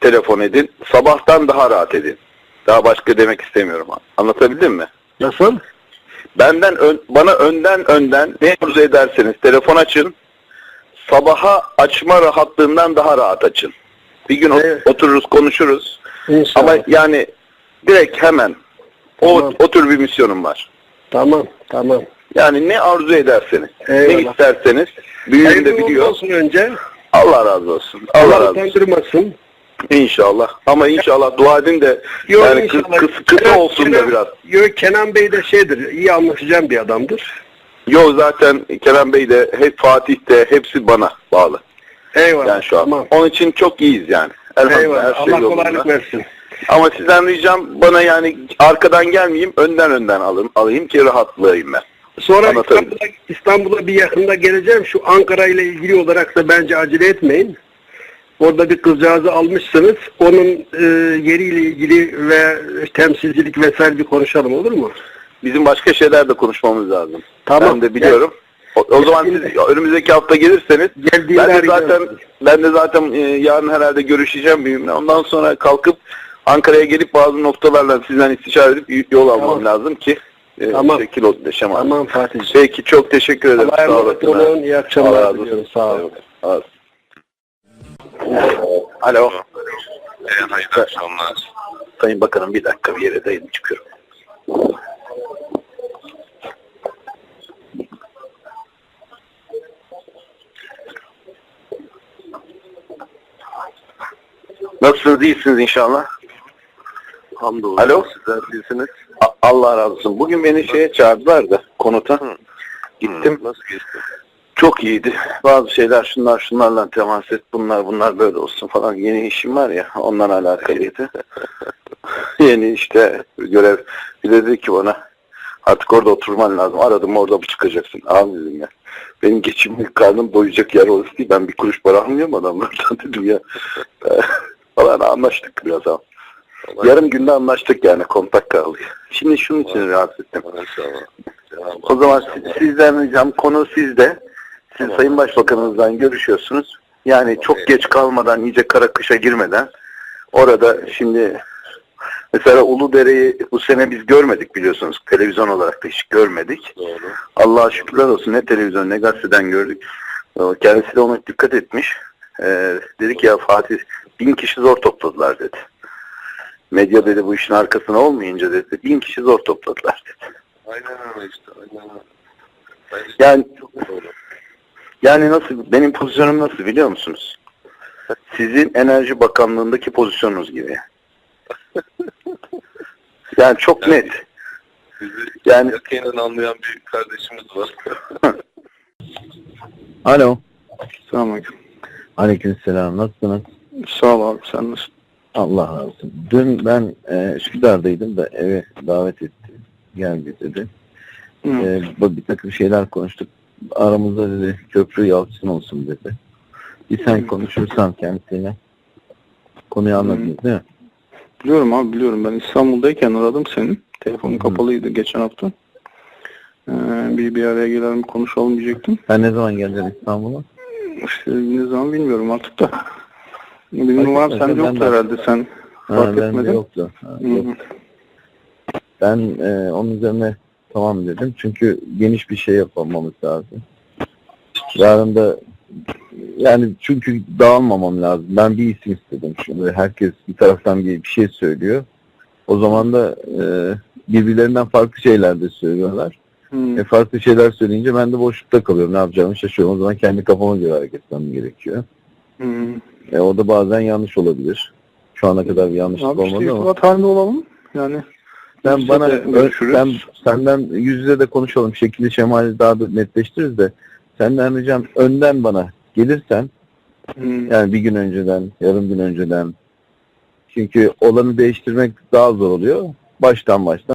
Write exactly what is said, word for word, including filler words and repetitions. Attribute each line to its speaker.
Speaker 1: telefon edin. Sabahtan daha rahat edin. Daha başka demek istemiyorum. Anlatabildim mi?
Speaker 2: Nasıl?
Speaker 1: Benden ön, bana önden önden ne arzu ederseniz telefon açın. Sabaha açma rahatlığından daha rahat açın. Bir gün
Speaker 2: Evet.
Speaker 1: otururuz, konuşuruz.
Speaker 2: İnşallah.
Speaker 1: Ama yani direkt hemen
Speaker 2: Tamam.
Speaker 1: o, o tür bir misyonum var.
Speaker 2: Tamam, tamam.
Speaker 1: Yani ne arzu ederseniz,
Speaker 2: Eyvallah.
Speaker 1: ne isterseniz, büyüğüm de
Speaker 2: Hayırlı
Speaker 1: biliyor.
Speaker 2: olsun önce.
Speaker 1: Allah razı olsun. Allah
Speaker 2: Allah
Speaker 1: razı olsun.
Speaker 2: utandırmasın.
Speaker 1: İnşallah. Ama inşallah dua edin de
Speaker 2: Yok,
Speaker 1: yani kıs,
Speaker 2: inşallah.
Speaker 1: kıs, kısa
Speaker 2: Kenan-
Speaker 1: olsun
Speaker 2: Kenan-
Speaker 1: da biraz.
Speaker 2: Yok, Kenan Bey de şeydir, iyi anlaşacağım bir adamdır.
Speaker 1: Yo zaten Kerem Bey de hep Fatih de hepsi bana bağlı.
Speaker 2: Eyvallah.
Speaker 1: Yani şu an.
Speaker 2: Tamam.
Speaker 1: Onun için çok iyiyiz yani. Elhamdülillah
Speaker 2: Eyvallah.
Speaker 1: her şey
Speaker 2: Allah
Speaker 1: yolunda.
Speaker 2: kolaylık versin.
Speaker 1: Ama sizden ricam bana yani arkadan gelmeyeyim, önden önden alın, alayım ki rahatlayayım ben.
Speaker 2: Sonra
Speaker 1: Anlatabildim.
Speaker 2: İstanbul'a, İstanbul'a bir yakında geleceğim. Şu Ankara ile ilgili olarak da bence acele etmeyin. Orada bir kızcağızı almışsınız. Onun e, yeriyle ilgili ve temsilcilik vesaire bir konuşalım, olur mu?
Speaker 1: Bizim başka şeyler de konuşmamız lazım.
Speaker 2: Tamam.
Speaker 1: Ben de biliyorum. O, o zaman siz önümüzdeki hafta gelirseniz
Speaker 2: Geldiğinde
Speaker 1: ben de
Speaker 2: arayacağım
Speaker 1: zaten
Speaker 2: sizi.
Speaker 1: ben de zaten e, yarın herhalde görüşeceğim büyüğümle. Ondan sonra kalkıp Ankara'ya gelip bazı noktalarla sizden istişare edip yol almam
Speaker 2: Tamam.
Speaker 1: lazım ki e,
Speaker 2: Tamam.
Speaker 1: şekil olsun yaşam.
Speaker 2: Tamam Fatih'ciğim.
Speaker 1: Peki çok teşekkür ederim.
Speaker 2: Allah'a
Speaker 1: Sağ
Speaker 2: emanet
Speaker 1: olasın.
Speaker 2: olun. İyi
Speaker 1: Allah
Speaker 2: akşamlar
Speaker 1: razı
Speaker 2: diliyorum.
Speaker 1: olsun.
Speaker 2: Sağ olun.
Speaker 1: Sağ olasın. Alo.
Speaker 3: Evet, hayırlı akşamlar.
Speaker 1: Sayın Bakanım bir dakika bir yere dayanıp çıkıyorum. Nasılsınız? İyisiniz inşallah.
Speaker 3: Hamdolsun.
Speaker 1: Alo.
Speaker 3: Sizler değilsiniz.
Speaker 1: A- Allah razı olsun. Bugün beni şeye çağırdılar da konuta. Gittim.
Speaker 3: Nasıl geçti?
Speaker 1: Çok iyiydi. Bazı şeyler şunlar şunlarla temas et. Bunlar bunlar böyle olsun falan. Yeni işim var ya ondan alakalıydı. Yeni işte görev. Bir de dedi ki bana artık orada oturman lazım. Aradım orada mı çıkacaksın? Abi dedim ya. Benim geçimlik karnım doyacak yer orası değil. Ben bir kuruş para almıyorum adamlardan dedim ya. Falan anlaştık biraz ama. Yarım günde anlaştık yani kontak kaldı. Şimdi şunun için rahatsız ettim.
Speaker 3: Maşallah.
Speaker 1: O zaman siz- sizden ricam konu sizde. Siz
Speaker 3: Tamam.
Speaker 1: Sayın Başbakanımızdan görüşüyorsunuz. Yani çok
Speaker 3: Evet.
Speaker 1: geç kalmadan, iyice kara kışa girmeden orada şimdi mesela Uludere'yi bu sene biz görmedik biliyorsunuz. Televizyon olarak da hiç görmedik.
Speaker 3: Doğru.
Speaker 1: Allah'a şükürler olsun ne televizyon ne gazeteden gördük. O, kendisi de ona dikkat etmiş. Ee, dedi ki ya Fatih bin kişi zor topladılar dedi. Medya dedi bu işin arkasına olmayınca dedi bin kişi zor topladılar dedi.
Speaker 3: Aynen öyle işte. Aynen öyle. Bence
Speaker 1: Yani
Speaker 3: çok doğru.
Speaker 1: yani nasıl benim pozisyonum nasıl biliyor musunuz? Sizin Enerji Bakanlığındaki pozisyonunuz gibi. Yani çok net.
Speaker 3: Bizi
Speaker 1: Yani
Speaker 3: yakinen anlayan bir kardeşimiz var.
Speaker 4: Alo.
Speaker 2: Selamünaleyküm.
Speaker 4: Aleykümselam. Nasılsınız?
Speaker 2: Sağ ol abi. Sen nasılsın?
Speaker 4: Allah razı olsun. Dün ben e, Üsküdar'daydım da eve davet etti. Gel dedi. E, bu bir takım şeyler konuştuk. Aramızda dedi köprü yalçın olsun dedi. Bir sen konuşursan kendisiyle. Konuyu anladınız değil mi?
Speaker 5: Biliyorum abi biliyorum. Ben İstanbul'dayken aradım seni. Telefonun
Speaker 4: Hı.
Speaker 5: kapalıydı geçen hafta. Ee, bir bir araya gelelim konuşalım diyecektim.
Speaker 4: Sen ne zaman geleceksin İstanbul'a?
Speaker 5: İşte ne zaman bilmiyorum artık da. Benim
Speaker 4: Fark
Speaker 5: numaram
Speaker 4: etmez,
Speaker 5: sende
Speaker 4: ben
Speaker 5: yoktu
Speaker 4: de-
Speaker 5: herhalde sen
Speaker 4: Ha,
Speaker 5: fark
Speaker 4: bende
Speaker 5: etmedin.
Speaker 4: yoktu. Ha,
Speaker 5: Hı
Speaker 4: yok.
Speaker 5: hı.
Speaker 4: Ben e, onun üzerine tamam dedim. Çünkü geniş bir şey yapmamız lazım. Yarın da yani çünkü dağılmamam lazım. Ben bir isim istedim. Şimdi herkes bir taraftan bir, bir şey söylüyor. O zaman da e, birbirlerinden farklı şeyler de söylüyorlar.
Speaker 5: Hı.
Speaker 4: E, farklı şeyler söyleyince ben de boşlukta kalıyorum. Ne yapacağımı şaşırıyorum. O zaman kendi kafama göre hareket etmem gerekiyor.
Speaker 5: Hı.
Speaker 4: E, o da bazen yanlış olabilir. Şu ana kadar bir yanlışlık
Speaker 5: Abi işte
Speaker 4: olmadı ama.
Speaker 5: irtibat halinde olalım. Yani
Speaker 4: Sen
Speaker 5: yüz
Speaker 4: bana
Speaker 5: yüze de görüşürüz.
Speaker 4: sen, senden yüz yüze de konuşalım. Şekli şemali daha da netleştiririz de senden ricam önden bana gelirsen
Speaker 5: Hı.
Speaker 4: yani bir gün önceden, yarım gün önceden çünkü olanı değiştirmek daha zor oluyor. Baştan baştan